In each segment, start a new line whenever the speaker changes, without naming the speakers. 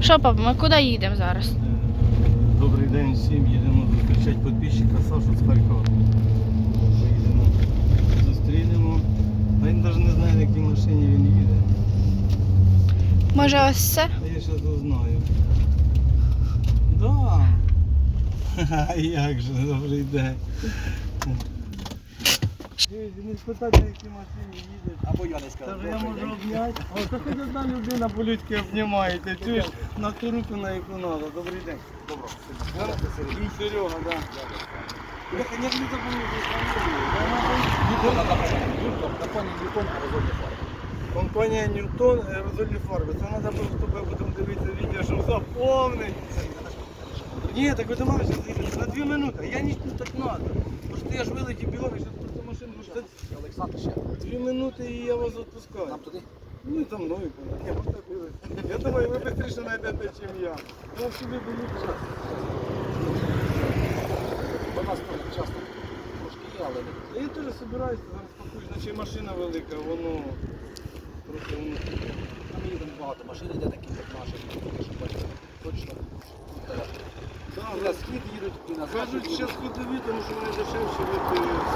Що, папа, ми куди їдемо зараз?
Добрий день всім, їдемо зустрічати підписчика Сашу з Харкова. Поїдемо, зустрінемо. Він навіть не знає, на якій машині він їде.
Може ось це?
А я зараз узнаю. Да. А як же, добрий день. Не спитати, на якій машині їде.
Або я не скажу.
Каже, я можу обняти. О, це хоч одна людина по-людськи обнімає. Ти чуєш, на ту руку, на яку треба. Добрий день.
Добро.
Сергій. Серега, так. Я, конечно, не забув,
Компанія Ньютон аерозольні фарби.
компанія Ньютон аерозольні фарби. Це треба просто потім дивитися відео, щоб заповнити. Ні, так ви до мене зараз їдете на 2 минути. Я ніч так треба. Бо ж я ж вилетів бігом, я зараз просто машину ждати.
Олександр ще.
2 минути і я вас відпускаю.
Нам туди?
Ну, за мною. Ні, просто бігли. Я думаю, ви швидше знайдете, ніж я. Ну, собі боюся.
До нас тут часто трошки є, але не.
Я теж збираюся, зараз пакуюсь, наче машина велика, воно просто воно.
Там їдемо багато машин, йде такі, як наші, щоб бачити. Точно. І на схід їдуть, і на захід
Кажуть,
їдуть.
що ходові, тому що вони дешевші від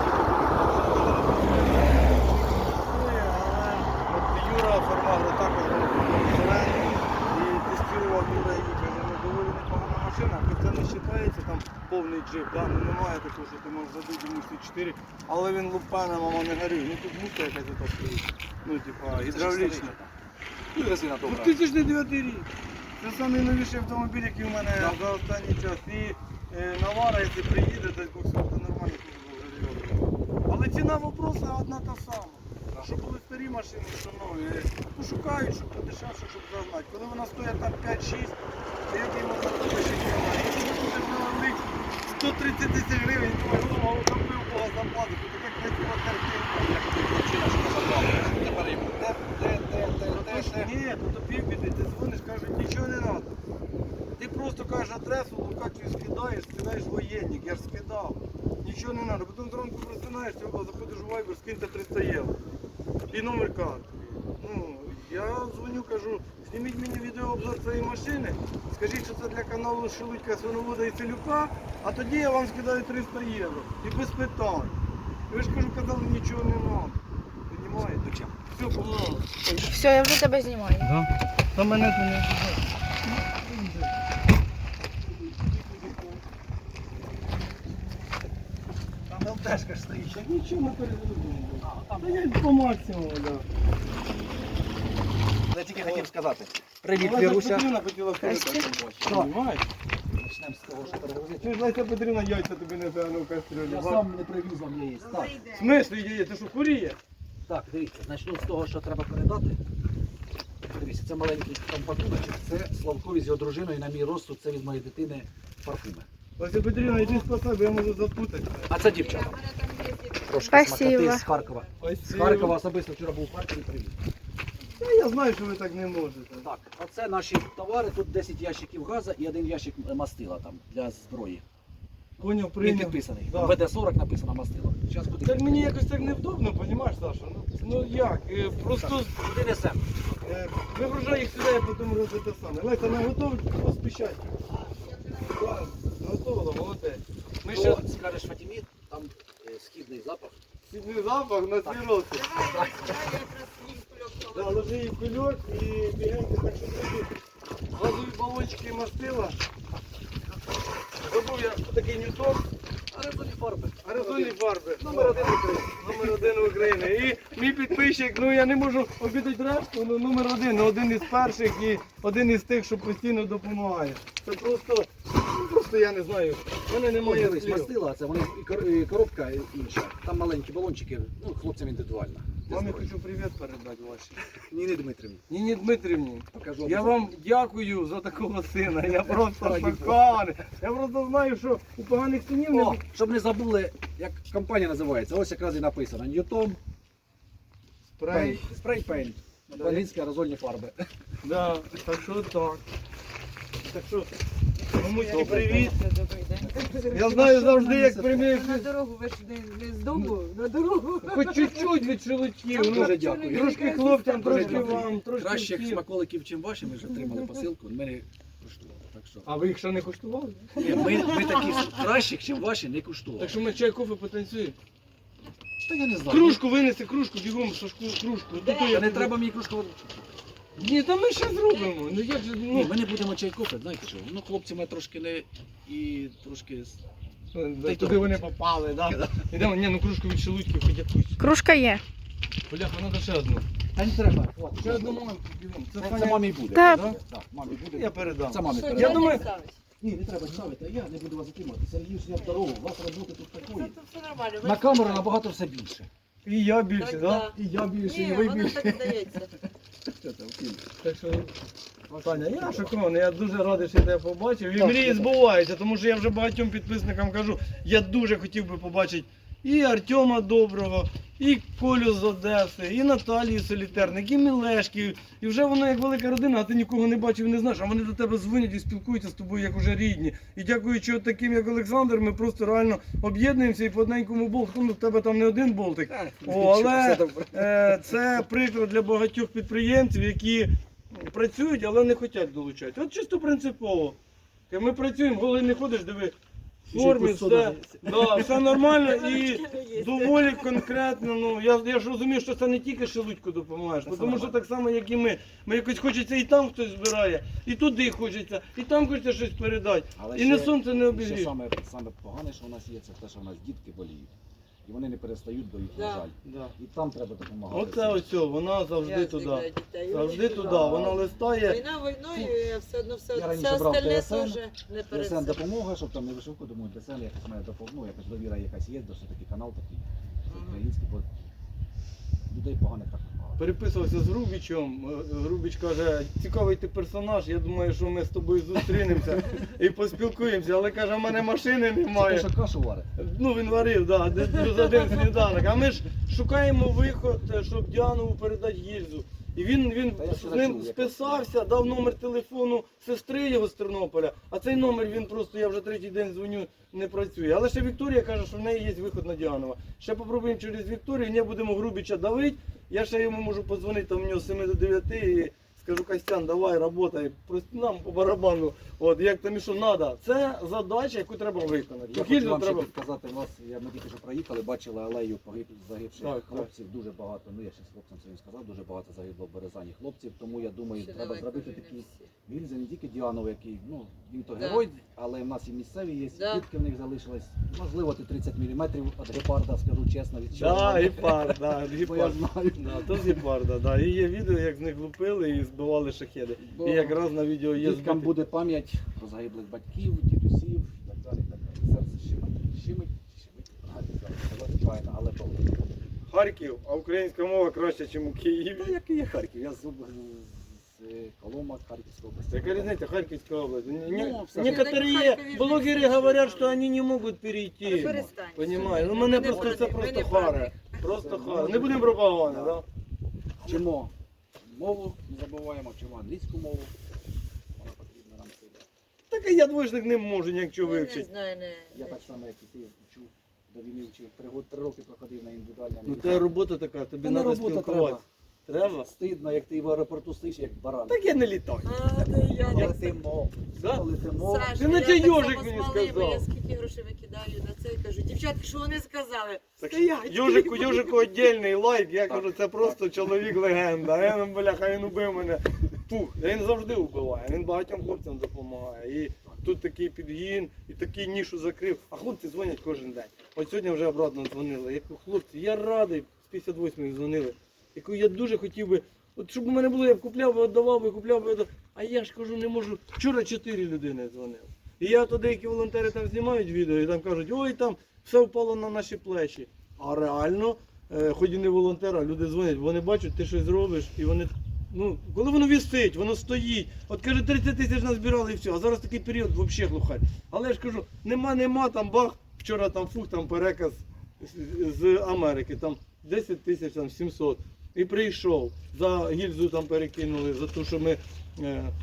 от Юра Фармагро також зелений і тестував Юра її, каже, ну доволі непогана машина, хоч це не вважається там повний джип, да? Ну немає такого, що ти можеш забити йому всі 4, але він лупане, мама, не горює. Ну тут мука якась ото стоїть, ну типа гідравлічна.
Ну і резина добра.
2009 рік. Це найновіший автомобіль, який у мене за останній час. І Навара, якщо приїде, десь боксер, то нормально буде. Але ціна вопроса одна та сама. Що були старі машини, що нові. Ну, шукають, щоб подешевше, щоб загнати. Коли вона стоїть там 5-6, то який можна ще немає. Якщо ти будеш наловити 130 тисяч гривень, думаю, голову забив Бога заплату, то така красива картинка.
Причина, що не забрали. Тепер йому
Ні, то тобі піди, ти дзвониш, кажуть, нічого не треба. Ти просто кажеш адресу, локацію скидаєш воєнник, я ж скидав. Нічого не треба. Потім зранку просинаєшся, заходиш у Viber, скиньте 300 євро. І номер карти. Ну, я дзвоню, кажу, зніміть мені відеообзор цієї машини, скажіть, що це для каналу Шелудька, Свиновода і Селюка, а тоді я вам скидаю 300 євро. І без питань. Ви ж кажу, казали, нічого не треба. Понімаєте? Все, помогу.
Все, я вже тебе знімаю.
Да. Та мене це не
Там ЛТшка ж стоїть.
Так нічого ми перезвонимо. Та я по максимуму, так.
Я тільки хотів сказати. Привіт,
Леся
Віруся.
Петрівна хотіла сказати. Понімаєш?
Почнемо з того, що перегрузити.
Ти ж Леся Петрівна яйця тобі не в кастрюлю.
Я сам не привіз вам яєць. Так,
В смислі яє? Ти що, хворіє?
так, дивіться, почну з того, що треба передати. Дивіться, це маленький там пакуночок, це Славкові з його дружиною, на мій розсуд, це від моєї дитини парфуми.
Леся Петрівна, йди спасай, бо я можу запутати.
А це дівчата. Трошки
Спасибо.
смакоти з Харкова. З Харкова особисто вчора був в Харкові, привіз.
Я знаю, що ви так не можете.
Так, а це наші товари, тут 10 ящиків газу і 1 ящик мастила там для зброї.
Поняв,
Він
прийняв.
підписаний.
Да.
ВД-40 написано мастило. Зараз буде.
Так мені якось так невдобно, розумієш, Саша? Ну як? Просто
Куди несемо?
вигружай їх сюди, а потім робити те саме. Леся, не готові поспішати? Готово, молодець. Ми ще
Що скажеш Фатімі, там східний запах.
сідний запах на ці роки. Да, ложи її в кульок і бігенько так, що зробити. Газові балончики мастила. Забув я такий Ньютон.
Аерозольні фарби.
Аерозольні фарби.
Номер 1 України.
Номер 1 України. І мій підписчик, ну я не можу обідати решту, але номер 1, ну, один із перших і один із тих, що постійно допомагає. Це просто я не знаю. В мене немає
Дивись,
слів.
мастила, це вони і коробка інша. Там маленькі балончики, ну хлопцям індивідуально.
Мамі хочу привіт передати вашій.
Ніні Дмитрівні.
Ніні Дмитрівні,
Покажу.
я вам дякую за такого сина. Я просто
Раді
шокований. Я просто знаю, що у поганих синів
О,
не...
щоб не забули, як компанія називається. Ось якраз і написано. Ньютон
Спрей.
Спрей Пейнт. Українські аерозольні фарби.
Да, так що так. Так що Мамуськи, привіт.
Добрий день.
Я знаю завжди, як приймеш.
На дорогу, ви ж не з дому, на дорогу.
Хоч чуть-чуть від шелудьків. Ну,
Дуже дякую.
трошки хлопцям,
Дуже
трошки
дякую.
вам, трошки
Кращих
всім.
смаколиків, чим ваші, ми вже отримали посилку, ми не куштували. Так що,
А ви їх ще не куштували?
ні, ми такі кращих, чим ваші, не куштували.
Так що ми чай, кофе потанцюємо.
Та я не знаю.
Кружку винеси, кружку, бігом, Сашку, кружку.
Та не треба мені кружку.
Ні, та ми ще зробимо. Ну як же,
Ні,
ну.
ми не будемо чай кофе, знаєте що? Ну, хлопці ми трошки не і трошки. Та й
Туди
то.
вони попали, так? Ідемо, ні, ну кружку від шелудьків хоч якусь.
Кружка є.
Бляха, треба ще одну.
Та не треба.
Ще одну маленьку бігом.
Це мамі буде.
Так.
Так, мамі буде.
Я передам.
Це мамі
Я
передам.
думаю-
Ні, не треба ставити, а я не буду вас затримати. Сергій, я в дорогу, у вас роботи тут такої.
Це все нормально.
На камеру набагато все більше.
І я більше,
Так,
так?
І я більше,
Ні,
і ви
воно
більше.
так здається.
Що це, Василь?
Так що, Таня, я шокований, я дуже радий, що я тебе побачив. І
Так,
мрії
так.
збуваються, тому що я вже багатьом підписникам кажу, я дуже хотів би побачити і Артема Доброго, і Колю з Одеси, і Наталію Солітерник, і Мілешки. І вже воно як велика родина, а ти нікого не бачив, не знаєш, а вони до тебе дзвонять і спілкуються з тобою як уже рідні. І дякуючи от таким, як Олександр, ми просто реально об'єднуємося і по одненькому болтику. Ну, в тебе там не один болтик. О, але це приклад для багатьох підприємців, які працюють, але не хочуть долучати. От чисто принципово. Ми працюємо, голий не ходиш, диви, в формі, все, да, все нормально і доволі конкретно. Ну, я ж розумію, що це не тільки шелудьку допомагаєш, тому що так само, як і ми. Ми якось хочеться і там хтось збирає, і туди хочеться, і там хочеться щось передати.
Але
І не сонце не
ще
обігріє.
саме погане, що у нас є, це те, що у нас дітки боліють. І вони не перестають, бо їх
Да.
жаль.
Да.
І там треба допомагати.
Оце ось, вона завжди туди. Завжди туди.
Да.
Вона листає.
Війна війною, а все одно
Я
все
раніше брав
остальне
ТСН,
теж не
ДСН
перед
допомога, щоб там не вишивку, думаю, ДСН якась має допомогу, якась довіра якась є, досить такий канал такий український, бо людей поганих так багато.
Переписувався з Грубічем. Грубіч каже, цікавий ти персонаж, я думаю, що ми з тобою зустрінемося і поспілкуємося, але каже, в мене машини
Це те,
немає.
що кашу варить.
Ну він варив, так, плюс один сніданок. А ми ж шукаємо виход, щоб Діанову передати гільзу. І він
Та я
з
вчора
ним
чув, як
списався, дав номер телефону сестри його з Тернополя, а цей номер він просто, я вже третій день дзвоню, не працює. Але ще Вікторія каже, що в неї є виход на Діанова. Ще попробуємо через Вікторію, не будемо Грубіча давити. Я ще йому можу подзвонити там в нього з 7 до 9 і скажу, Костян, давай, работай, просто нам по барабану, от як там і що треба. Це задача, яку треба виконати.
Я
Гільзу
хочу вам ще
треба.
підказати вас, ми тільки що проїхали, бачили алею загибших
Так,
хлопців, дуже багато, ну я ще з хлопцем своїм сказав, дуже багато загибло в Березані хлопців, тому я думаю, треба зробити такі гільзи, не тільки Діанов, який, ну, він то
Да.
герой, але в нас і місцеві є,
Да.
дітки в них залишилось, можливо, ти 30 мм від гепарда, скажу чесно, від
Да, гепард, да,
бо я
гепард.
знаю.
Да, то з гепарда, да. І є відео, як з них лупили і збивали шахеди. І якраз на відео є
Діткам
збиті.
буде пам'ять про загиблих батьків, дідусів і так далі. Так далі. Серце щемить. Сказати правильно, але то.
Харків, а українська мова краще, ніж у Києві.
Та який є Харків? Я з Колома, Харківської області.
Яка різниця, Харківська область?
все
Некоторые
Харкові
блогери
жити
говорят,
можна.
что они не можуть перейти.
Перестань.
Понимаю. Ну мене
Ми не
просто це
проти, ми
просто
не проти.
харе. Просто харе. Не будемо пропаганда, да?
Вчимо мову, не забуваємо, вчимо англійську мову. Вона потрібна нам сюди.
Так і я двоєчник не можу ніякого
Не
вивчити.
знаю,
Я так само, як і ти вчу до війни вчив. 3 роки проходив на індивідуальному.
Ну це робота така, тобі
Та не
треба
робота
спілкуватися. Треба?
Стидно, як ти в аеропорту стоїш, як баран.
Так я не літаю.
А, то я
Але
так.
ти мов.
Да?
Але ти мов.
Саша,
Ти на
я
цей
так
йожик
само
мені
з малими,
сказав.
Я скільки грошей викидаю на це і кажу, дівчатки, що вони сказали?
Так,
Стоять.
Йожику віддільний лайк, я
Так,
кажу, це просто чоловік-легенда. А він, бляха, він убив мене. Пух, він завжди вбиває, він багатьом хлопцям допомагає. І тут такий підгін, і такий нішу закрив. А хлопці дзвонять кожен день. От сьогодні вже обратно дзвонили. Я кажу, хлопці, я радий, з 58-ї дзвонили. Я кажу, я дуже хотів би, от щоб у мене було, я б купляв би, віддавав би, купляв би, віддавав. А я ж кажу, не можу. Вчора 4 людини дзвонили. І я то деякі волонтери там знімають відео і там кажуть, ой, там все впало на наші плечі. А реально, хоч і не волонтери, а люди дзвонять, вони бачать, ти щось зробиш, і вони, ну, коли воно висить, воно стоїть. От каже, 30 тисяч назбирали і все, а зараз такий період взагалі глухарь. Але я ж кажу, нема, там бах, вчора там фух, там переказ з Америки, там 10 тисяч, там 700. І прийшов, за гільзу там перекинули, за те, що ми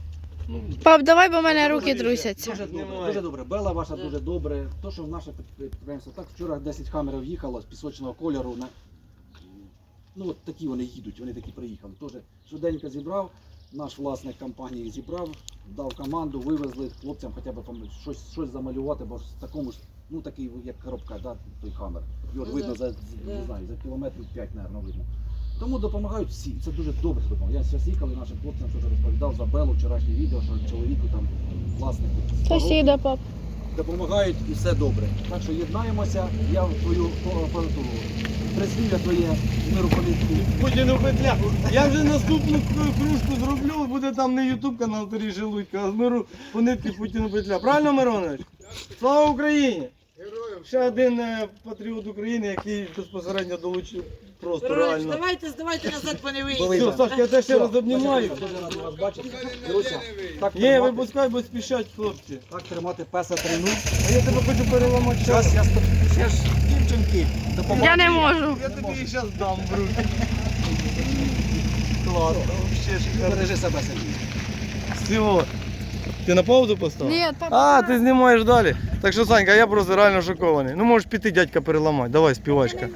Пап, давай, бо в мене руки трусяться.
Дуже добре,
Немає.
дуже добре. Бела ваша дуже добре. То, що в наше підприємство, так вчора 10 хамерів їхало з пісочного кольору. Ну от такі вони їдуть, вони такі приїхали. Теж швиденько зібрав, наш власник компанії зібрав, дав команду, вивезли хлопцям хоча б там щось замалювати, бо в такому ж, ну такий як коробка, да, той хамер. Його ж
Ну,
видно
да.
не знаю, за кілометрів 5, мабуть, видно. Тому допомагають всі. Це дуже добре, що допомагають. Я зараз їхали нашим хлопцям, що розповідав за Белу, вчорашнє відео, що чоловіку там власнику.
Сусіда, пап.
Допомагають і все добре. Так що єднаємося, я в твою апаратуру прислів'я твоє миру політику.
Путіну петля. Я вже наступну кружку зроблю, буде там не ютуб канал Тарій Желудько, а з миру по нитки Путіну петля. Правильно, Миронович? Слава Україні! Ще один патріот України, який безпосередньо долучив просто
Миронович,
реально.
давайте назад по не
Були.
вийдемо.
Все, Сашка, я тебе ще раз обнімаю.
Дуже радий вас бачити. Друзі, так
Ні,
тримати,
випускай, бо спішать хлопці.
так тримати песа трину.
А я тебе хочу переламати час.
Зараз я ж дівчинки, допомагаю.
Я не можу.
Я тобі її зараз дам в руки. Класно, вообще шикарно.
Бережи себе, Сергій.
Всього. Ти на паузу поставив?
Ні, папа.
А, ти знімаєш далі. Так що, Санька, я просто реально шокований. Ну можеш піти дядька переламати. Давай, співачка.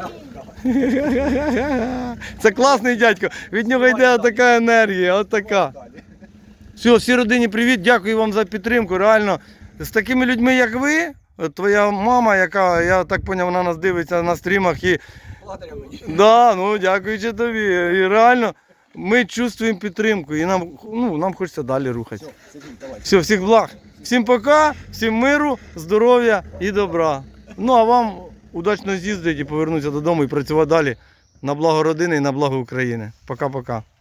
Це класний дядько. Від нього йде така енергія, от така. Все, всій родині привіт, дякую вам за підтримку. Реально, з такими людьми, як ви, от твоя мама, яка, я так зрозумів, вона нас дивиться на стрімах і.
Благодаря мені.
Да, ну дякуючи тобі. І реально ми чувствуємо підтримку і нам хочеться далі рухатися.
Все, Сергій, давай.
Все, всіх благ. Всім пока, всім миру, здоров'я і добра. Ну а вам удачно з'їздити і повернутися додому і працювати далі на благо родини і на благо України. Пока-пока.